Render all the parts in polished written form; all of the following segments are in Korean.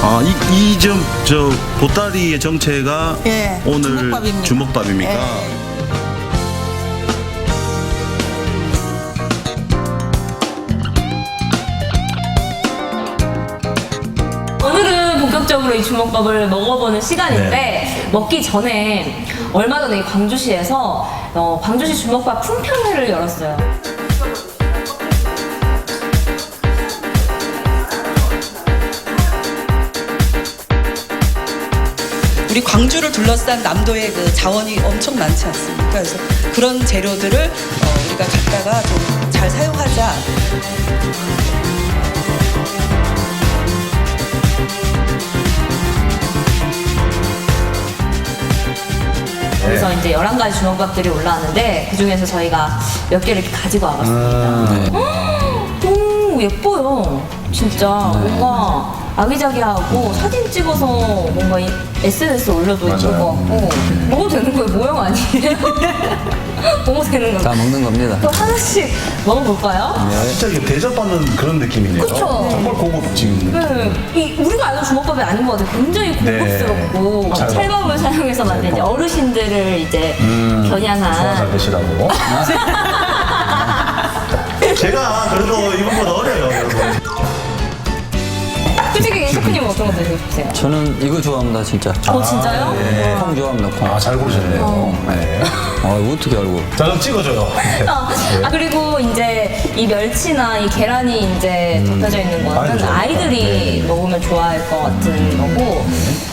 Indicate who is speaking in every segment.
Speaker 1: 아, 저 보따리의 정체가
Speaker 2: 예,
Speaker 1: 오늘
Speaker 2: 주먹밥입니다.
Speaker 1: 주먹밥입니까?
Speaker 2: 예.
Speaker 3: 오늘은 본격적으로 이 주먹밥을 먹어보는 시간인데
Speaker 1: 네.
Speaker 3: 먹기 전에 얼마 전에 이 광주시에서 광주시 주먹밥 품평회를 열었어요.
Speaker 2: 우리 광주를 둘러싼 남도의 그 자원이 엄청 많지 않습니까? 그래서 그런 재료들을 우리가 갖다가 좀 잘 사용하자.
Speaker 3: 그래서 이제 11가지 주먹밥들이 올라왔는데 그 중에서 저희가 몇 개를 이렇게 가지고 와봤습니다. 오, 예뻐요. 진짜 뭔가 아기자기하고 사진 찍어서 뭔가 SNS에 올려도 예쁠 것 같고 먹어도 되는 거예요? 모형 아니에요? 먹어도 되는
Speaker 4: 다
Speaker 3: 거예요?
Speaker 4: 먹는 겁니다.
Speaker 3: 그럼 하나씩 먹어볼까요?
Speaker 1: 진짜 이게 대접받는 그런 느낌이네요.
Speaker 3: 그쵸.
Speaker 1: 정말 고급진.
Speaker 3: 네, 우리가 알던 주먹밥이 아닌 것 같아요. 굉장히 고급스럽고
Speaker 1: 잘
Speaker 3: 찰밥을 사용해서 만든 이제 어르신들을 이제
Speaker 1: 소화 잘
Speaker 3: 겨냥한
Speaker 1: 되시라고. 제가 그래도 이분보다 어려요, 여러분.
Speaker 3: 솔직히 셰프님 어떤 거 드시고 싶으세요?
Speaker 4: 저는 이거 좋아합니다, 진짜.
Speaker 3: 진짜요?
Speaker 1: 예.
Speaker 4: 콩 좋아합니다, 콩.
Speaker 1: 아, 잘 고르셨네요. 네.
Speaker 4: 어떻게 알고.
Speaker 1: 자, 그럼 찍어줘요.
Speaker 3: 그리고 이제 이 멸치나 이 계란이 이제 덮여져 있는 거는
Speaker 1: 아이들
Speaker 3: 아이들이
Speaker 1: 네.
Speaker 3: 먹으면 좋아할 것 같은 거고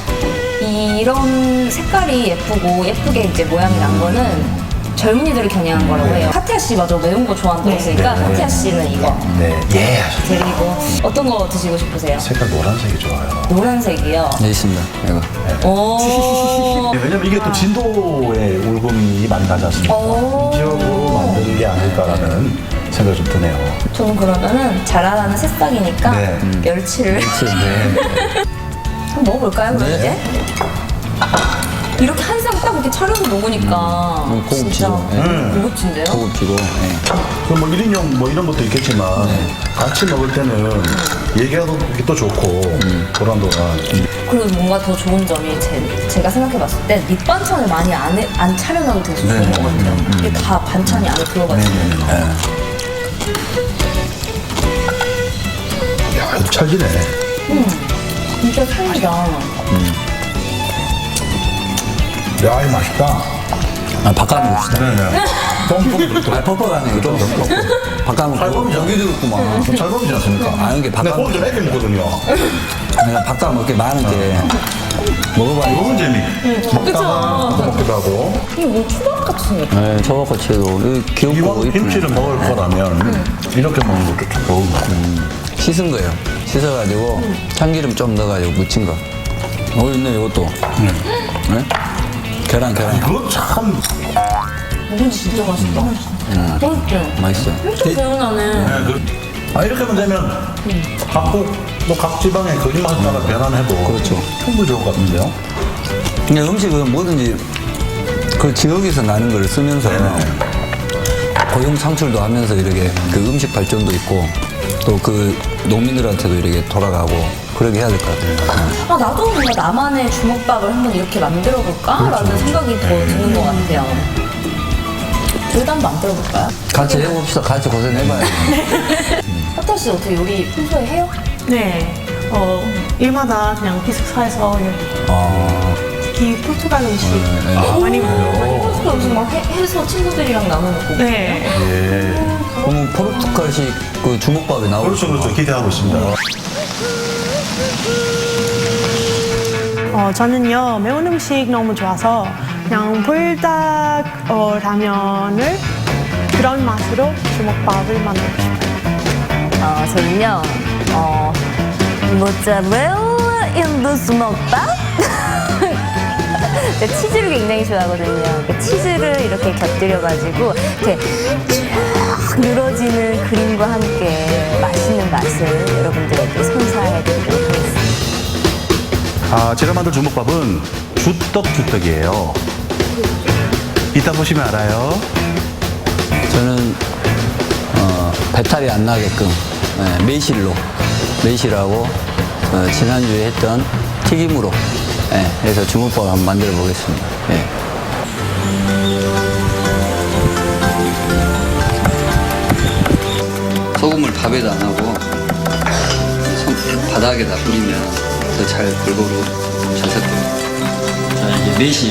Speaker 3: 이런 색깔이 예쁘게 이제 모양이 난 거는 젊은이들을 겨냥한 거라고 해요. 카티아 씨 맞아 매운 거 좋아한다고 했으니까 카티아 씨는 이거
Speaker 1: 네. 예. 하셨어요.
Speaker 3: 그리고 어떤 거 드시고 싶으세요?
Speaker 1: 색깔 노란색이 좋아요.
Speaker 3: 노란색이요.
Speaker 4: 네, 있습니다, 이거.
Speaker 3: 오.
Speaker 1: 왜냐면 이게 또 진도의 울금이 많이 나지 않습니까?
Speaker 3: 오.
Speaker 1: 이 지역으로 만든 게 아닐까라는 생각이 좀 드네요.
Speaker 3: 저는 그러면은 자라나는 새싹이니까
Speaker 1: 네.
Speaker 3: 멸치를
Speaker 4: 네.
Speaker 3: 한번 먹어볼까요? 그럼
Speaker 4: 네.
Speaker 3: 이제? 이렇게 한 상 딱 이렇게 차려서 먹으니까
Speaker 4: 고급지죠.
Speaker 3: 진짜
Speaker 4: 네.
Speaker 3: 고급진데요?
Speaker 4: 고급지고, 예.
Speaker 1: 그럼 뭐 1인용 뭐 이런 것도 있겠지만 같이 먹을 때는 얘기하기 또 좋고 도란도란.
Speaker 3: 그리고 뭔가 더 좋은 점이 제가 생각해봤을 때 밑반찬을 많이 안 차려놔도 되게 좋은 것 같아요. 이게 다 반찬이 안에 들어가 있는 거.
Speaker 1: 야, 이거 찰지네.
Speaker 3: 진짜 살이다.
Speaker 1: 야, 이거 맛있다.
Speaker 4: 바꿔 먹읍시다.
Speaker 1: 네네. 뻥뻥
Speaker 4: 아, 퍽퍽하네, 이거. 바꿔 먹고. 여기도 있구만.
Speaker 1: 잘 먹이지 않습니까?
Speaker 4: 아, 이게
Speaker 1: 근데
Speaker 4: 바꿔
Speaker 1: 호흡 좀 애기 먹거든요.
Speaker 4: 내가 바꿔 먹게 많은 게. 먹어봐야
Speaker 1: 먹은 재미. 먹다가 또 먹기도 하고.
Speaker 3: 이게 뭐 초밥 같은 거.
Speaker 4: 네, 저거치도 귀엽고
Speaker 1: 이왕
Speaker 4: 이쁘네.
Speaker 1: 김치를 먹을 거라면 이렇게 먹는 것도 좀 좋은 것 같아요.
Speaker 4: 씻은 거예요. 씻어가지고 참기름 좀 넣어가지고 무친 거. 있네, 이것도. 네? 계란.
Speaker 1: 그거 참.
Speaker 3: 묵은지 진짜 맛있다. 맛있죠?
Speaker 4: 맛있어요.
Speaker 3: 엄청 개운하네.
Speaker 1: 이렇게 하면 되면 각 지방의 그 입맛에 따라 변환해도
Speaker 4: 그렇죠.
Speaker 1: 충분히 좋을 것 같은데요.
Speaker 4: 근데 음식은 뭐든지 그 지역에서 나는 걸 쓰면서 고용 창출도 하면서 이렇게 그 음식 발전도 있고 또 그 농민들한테도 이렇게 돌아가고 그렇게 해야 될 것 같아요.
Speaker 3: 나도 뭔가 나만의 주먹밥을 한번 이렇게 만들어 볼까라는 생각이 더 드는 것 같아요. 저희도 한번 만들어 볼까요?
Speaker 4: 같이 해봅시다. 같이 고생해봐요.
Speaker 3: 하타 씨 어떻게 요리 평소에 해요?
Speaker 5: 네, 일마다 그냥 기숙사에서 특히 포르투갈 음식 많이 먹어요.
Speaker 3: 평소에 무슨 막 해서 친구들이랑 나눠 먹고.
Speaker 5: 네,
Speaker 4: 그러면 포르투갈식 그 주먹밥이 나오고
Speaker 1: 그렇죠. 기대하고 있습니다.
Speaker 5: 저는요 매운 음식 너무 좋아서 그냥 불닭 라면을 그런 맛으로 주먹밥을 만들고 싶어요.
Speaker 3: 저는요, 모짜렐라 인도 주먹밥? 제가 치즈를 굉장히 좋아하거든요. 그 치즈를 이렇게 곁들여가지고 이렇게 쫙 늘어지는 그림과 함께 맛있는 맛을 여러분들에게 선사해드리도록 하겠습니다.
Speaker 1: 제가 만든 주먹밥은 주떡이에요. 이따 보시면 알아요.
Speaker 4: 저는 배탈이 안 나게끔 매실하고 지난주에 했던 튀김으로 해서 주먹밥을 한번 만들어 보겠습니다. 소금을 밥에다 안 하고 바닥에다 뿌리면 더 잘 골고루 잘 섞여요. 자, 이제 매실.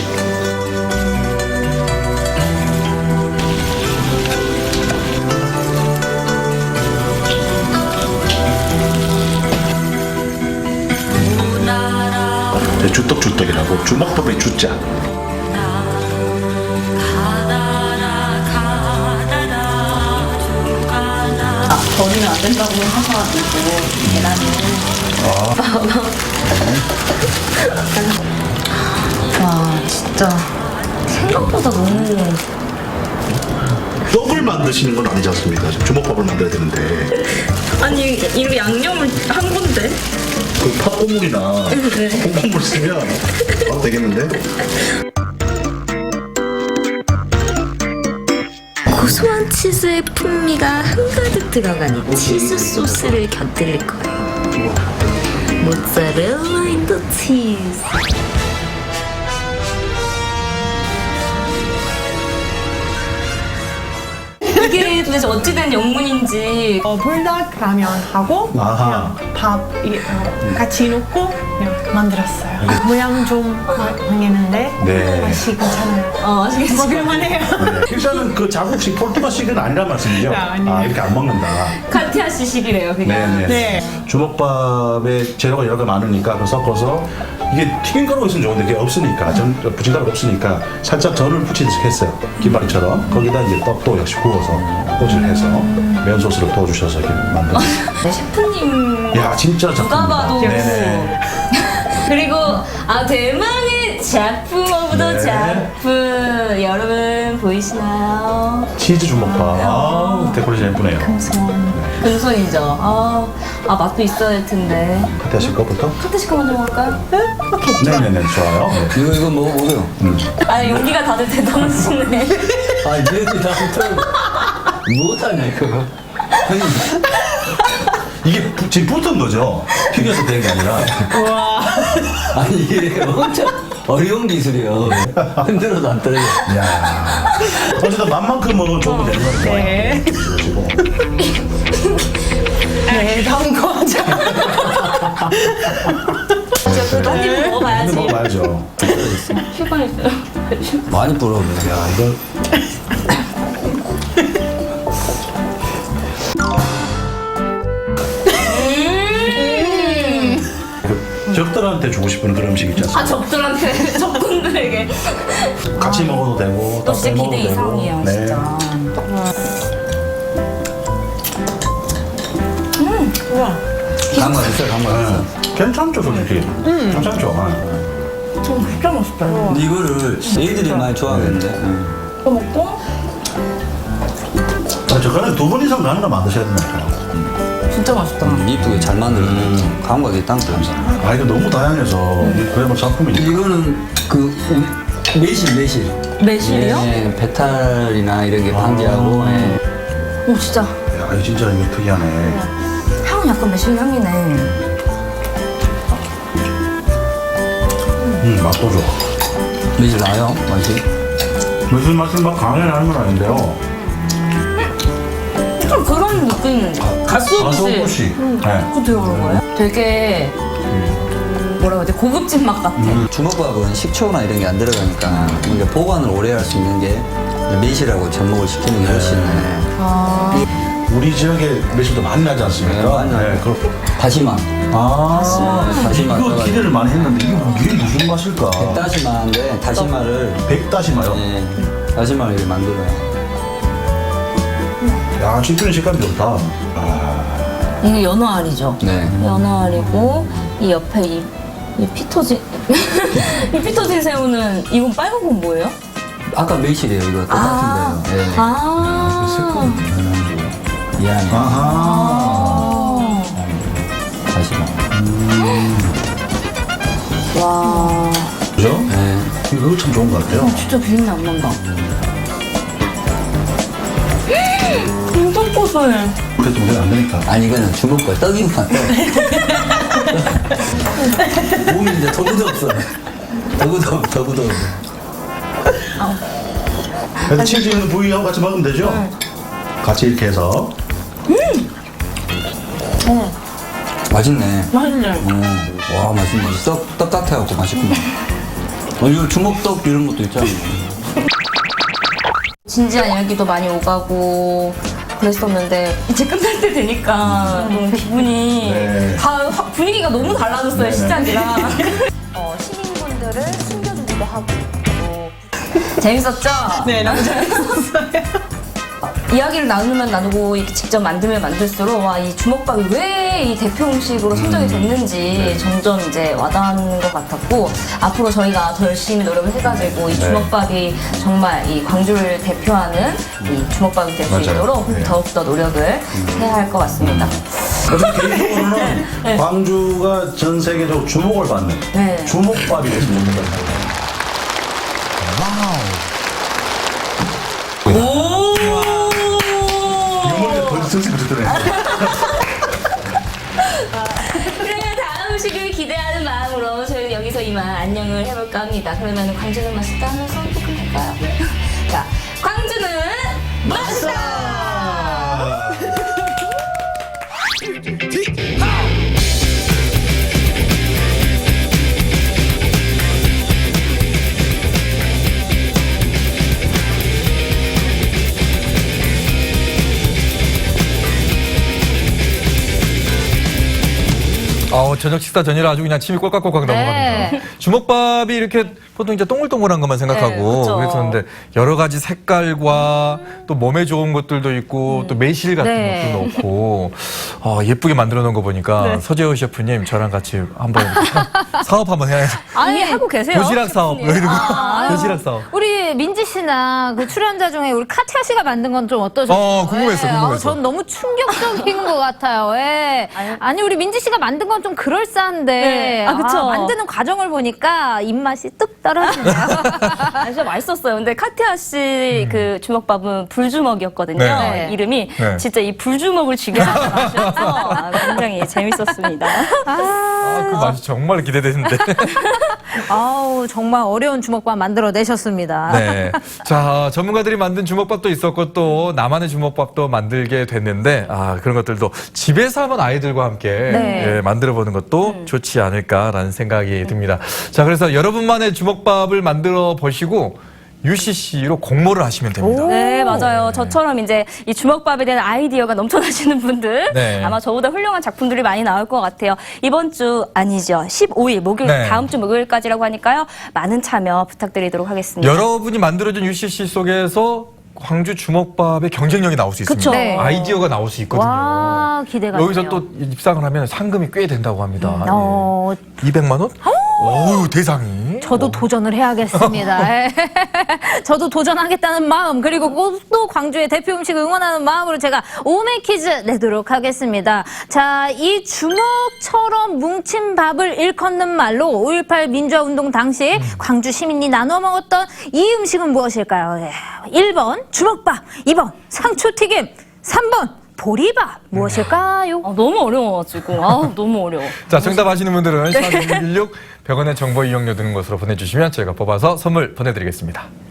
Speaker 1: 주떡주떡이라고 주먹밥의 주자.
Speaker 3: 버리면 안 된다고 하셔가지고 계란을. 와 진짜 생각보다 너무.
Speaker 1: 떡을 만드시는 건 아니지 않습니까? 주먹밥을 만들어야 되는데
Speaker 3: 아니 이거 양념을 한 건데.
Speaker 1: 그 팥고물이나 콩고물 쓰면 되겠는데?
Speaker 6: 고소한 치즈의 풍미가 한가득 들어간 이 치즈 소스를 곁들일 거예요. 모짜렐라 인더 치즈.
Speaker 3: 이게 도대체 어찌된 영문인지.
Speaker 5: 불닭 라면하고
Speaker 1: 아하.
Speaker 5: 그냥 밥 같이 넣고 그냥 만들었어요. 모양 좀 망했는데
Speaker 1: 네.
Speaker 5: 맛이 괜찮아요.
Speaker 3: 아시겠죠?
Speaker 5: 먹을만해요.
Speaker 1: 일단은 그 자국식 포르투갈식은 아니란 말씀이죠?
Speaker 5: 아니에요.
Speaker 1: 이렇게 안 먹는다.
Speaker 3: 카티아 씨식이래요 그냥.
Speaker 1: 네네.
Speaker 5: 네.
Speaker 1: 주먹밥에 재료가 여러 개 많으니까 그걸 섞어서 이게 튀김가루가 있으면 좋은데 그게 없으니까 부침가루가 없으니까 살짝 전을 부치듯이 했어요. 김말이처럼. 거기다 이제 떡도 역시 구워서 꼬치를 해서 매운 소스를 부어주셔서 이렇게 만든.
Speaker 3: 네, 셰프님
Speaker 1: 야 진짜
Speaker 3: 누가
Speaker 1: 작품이다.
Speaker 3: 봐도.
Speaker 1: 네네.
Speaker 3: 그리고 대망의 작품 오브 더
Speaker 1: 네.
Speaker 3: 작품 여러분 보이시나요?
Speaker 1: 치즈 주먹밥. 아, 데코레이션 예쁘네요.
Speaker 3: 금손이죠. 맛도 있어야 될 텐데.
Speaker 1: 카티아씨 거부터?
Speaker 3: 카트시카 먼저 먹을까요?
Speaker 1: 네네네 좋아요. 네.
Speaker 4: 이거 먹어보세요.
Speaker 3: 용기가 다들 대단하시네.
Speaker 4: 얘들 다 붙어. 못하냐, 이거.
Speaker 1: 이게 지금 붙은 거죠? 튀겨서 된 게 아니라.
Speaker 4: 아니, 이게 엄청 어려운 기술이에요. 흔들어도 안 떨어져.
Speaker 1: 야 어쨌든 맛만큼은 조금 되는 거 같아요.
Speaker 5: 네.
Speaker 1: 그러시고.
Speaker 5: 네, 다음 거 하자.
Speaker 3: 그래도 한 입 먹어봐야지.
Speaker 1: 먹어봐야죠.
Speaker 3: 휴방 있어요.
Speaker 4: 많이 부러워요.
Speaker 1: 야 이거 적들한테 주고 싶은 그런 음식 있지 않습니까?
Speaker 3: 적들한테 적군들에게
Speaker 1: 같이 먹어도 되고
Speaker 3: 또
Speaker 1: 따로
Speaker 3: 진짜
Speaker 1: 먹어도
Speaker 3: 기대
Speaker 1: 되고.
Speaker 3: 이상이에요
Speaker 1: 네.
Speaker 3: 진짜.
Speaker 5: 우와.
Speaker 4: 감각 있어요, 감각 있어요.
Speaker 1: 괜찮죠 솔직히. 괜찮죠.
Speaker 3: 진짜 맛있다.
Speaker 4: 근데 이거를 애들이 많이 좋아하겠는데.
Speaker 3: 또 먹고
Speaker 1: 저거는 2번 이상 가는 거 만드셔야 된다니까요.
Speaker 3: 진짜 맛있다.
Speaker 4: 이쁘게 잘 만들어서 감각이 땅땅하죠.
Speaker 1: 아 이거 너무 다양해서 그야말로 작품이니까.
Speaker 4: 이거는 그 매실.
Speaker 3: 매실이요?
Speaker 4: 예, 배탈이나 이런 게 방지하고. 예.
Speaker 3: 오 진짜
Speaker 1: 야 이거 진짜 이거 특이하네.
Speaker 3: 향은 약간 매실 향이네.
Speaker 1: 맛도 좋아.
Speaker 4: 매실 나요? 맛이?
Speaker 1: 무슨 맛이 막 강하게 나는 건 아닌데요.
Speaker 3: 좀 그런 느낌. 가스오부시.
Speaker 1: 가소부시. 네.
Speaker 3: 그거 들어간 거예요? 되게 뭐라고 해야 돼? 고급진 맛 같아.
Speaker 4: 주먹밥은 식초나 이런 게 안 들어가니까 이게 보관을 오래 할 수 있는 게 매실하고 접목을 시키는 게 훨씬
Speaker 1: 우리 지역에 매실도 많이 나지 않습니까?
Speaker 4: 네, 많이 나요.
Speaker 1: 그럼
Speaker 4: 다시마. 다시마
Speaker 1: 이거
Speaker 4: 떠가지고.
Speaker 1: 기대를 많이 했는데 이게 무슨 맛일까?
Speaker 4: 다시마인데 다시마를
Speaker 1: 백다시마요?
Speaker 4: 예, 다시마를 이렇게 만들어요.
Speaker 1: 야, 씹히는 식감이 좋다.
Speaker 3: 이게 연어알이죠?
Speaker 4: 네.
Speaker 3: 연어알이고 이 옆에 이 피터진 이 피터진 새우는 이건 빨간 건 뭐예요?
Speaker 4: 아까 매실이에요. 이거 똑같은데요. 예. 미안해.
Speaker 1: 아하.
Speaker 4: 다시마.
Speaker 3: 와
Speaker 1: 그죠?
Speaker 4: 네.
Speaker 1: 이거 참 좋은 것 같아요.
Speaker 3: 진짜 비린내 안 난다. 엄청 고소해.
Speaker 1: 그래도 문제는 안 되니까.
Speaker 4: 아니 이거는 주먹과 떡이구만. 떡. 도구도 없어. 도구도 없어.
Speaker 1: 그래서 치즈 있는 부위하고 같이 먹으면 되죠? 같이 이렇게 해서.
Speaker 4: 맛있네.
Speaker 5: 맛있네.
Speaker 4: 와, 맛있네. 떡 같아갖고 맛있구나. 이거 주먹떡 이런 것도 있잖아.
Speaker 3: 진지한 이야기도 많이 오가고 그랬었는데 이제 끝날 때 되니까 너무 기분이
Speaker 1: 네.
Speaker 3: 다 분위기가 너무 달라졌어요.
Speaker 1: 네네.
Speaker 3: 시장이랑. 시민분들을 숨겨주기도 하고 재밌었죠?
Speaker 5: 네, 너무 재밌었어요.
Speaker 3: 이야기를 나누면 나누고 이렇게 직접 만들면 만들수록 와, 이 주먹밥이 왜 이 대표 음식으로 선정이 됐는지 점점 이제 와닿는 것 같았고 앞으로 저희가 더 열심히 노력을 해가지고 이 주먹밥이 정말 이 광주를 대표하는 이 주먹밥이 될 수
Speaker 1: 맞아요.
Speaker 3: 있도록
Speaker 1: 네.
Speaker 3: 더욱더 노력을 해야 할 것 같습니다.
Speaker 1: 그래서 개인적으로는 광주가 전 세계적으로 주목을 받는
Speaker 3: 네.
Speaker 1: 주목밥이 됐으면 좋겠다. 유머가 더 승승 붙더래요.
Speaker 3: 그러면 다음 음식을 기대하는 마음으로 저희 여기서 이만 안녕을 해볼까 합니다. 그러면 광주는 맛있다 하면서 또 끝낼까요? 자, 광주는 맛있다!
Speaker 7: 저녁 식사 전이라 아주 그냥 침이 꼴깍꼴깍 넘어갑니다. 주먹밥이 이렇게 보통 이제 동글동글한 것만 생각하고
Speaker 3: 그쵸.
Speaker 7: 그랬었는데 여러 가지 색깔과 또 몸에 좋은 것들도 있고 또 매실 같은
Speaker 3: 네.
Speaker 7: 것도 넣고 예쁘게 만들어 놓은 거 보니까 서재호 셰프님 저랑 같이 한번 사업 한번 해야죠.
Speaker 3: 이미 하고 계세요.
Speaker 7: 도시락 사업 이런 거. 도시락 사업.
Speaker 8: 우리 민지 씨나 그 출연자 중에 우리 카티아 씨가 만든 건 좀 어떠셨어요?
Speaker 7: 궁금했어, 궁금했어.
Speaker 8: 전 너무 충격적인 것 같아요. 예. 아니 우리 민지 씨가 만든 건 좀 그럴싸한데
Speaker 3: 네. 그쵸.
Speaker 8: 만드는 과정을 보니까 입맛이 뚝 떨어지네요.
Speaker 3: 진짜 맛있었어요. 근데 카티아 씨 그 주먹밥은 불주먹이었거든요.
Speaker 7: 네.
Speaker 3: 이름이
Speaker 7: 네.
Speaker 3: 진짜 이 불주먹을 즐겨하는 맛이어서 굉장히 재밌었습니다.
Speaker 7: 그 맛이 정말 기대되는데.
Speaker 8: 아우 정말 어려운 주먹밥 만들어 내셨습니다.
Speaker 7: 네. 자, 전문가들이 만든 주먹밥도 있었고 또 나만의 주먹밥도 만들게 됐는데 그런 것들도 집에서 한번 아이들과 함께
Speaker 8: 네.
Speaker 7: 만들어 보는 것도 좋지 않을까라는 생각이 듭니다. 자, 그래서 여러분만의 주먹밥을 만들어 보시고 UCC로 공모를 하시면 됩니다.
Speaker 3: 네, 맞아요. 저처럼 이제 이 주먹밥에 대한 아이디어가 넘쳐나시는 분들
Speaker 7: 네.
Speaker 3: 아마 저보다 훌륭한 작품들이 많이 나올 것 같아요. 이번 주 아니죠. 15일 목요일
Speaker 7: 네.
Speaker 3: 다음 주 목요일까지라고 하니까요. 많은 참여 부탁드리도록 하겠습니다.
Speaker 7: 여러분이 만들어준 UCC 속에서 광주 주먹밥의 경쟁력이 나올 수 있습니다.
Speaker 3: 그쵸.
Speaker 8: 네.
Speaker 7: 아이디어가 나올 수 있거든요.
Speaker 8: 와 기대가
Speaker 7: 여기서
Speaker 8: 되네요.
Speaker 7: 또 입상을 하면 상금이 꽤 된다고 합니다.
Speaker 8: 어,
Speaker 7: 200만 원? 어우, 대상이.
Speaker 8: 저도 도전을 해야겠습니다. 예. 저도 도전하겠다는 마음 그리고 또 광주의 대표 음식 응원하는 마음으로 제가 오메 퀴즈 내도록 하겠습니다. 자, 이 주먹처럼 뭉친 밥을 일컫는 말로 5.18 민주화운동 당시 광주 시민이 나눠 먹었던 이 음식은 무엇일까요? 예. 1번 주먹밥, 2번 상추튀김, 3번 보리밥 무엇일까요?
Speaker 3: 너무 어려워가지고 너무 어려워.
Speaker 7: 자, 정답 아시는 분들은 샵 1616 100원의 정보 이용료 드는 것으로 보내주시면 저희가 뽑아서 선물 보내드리겠습니다.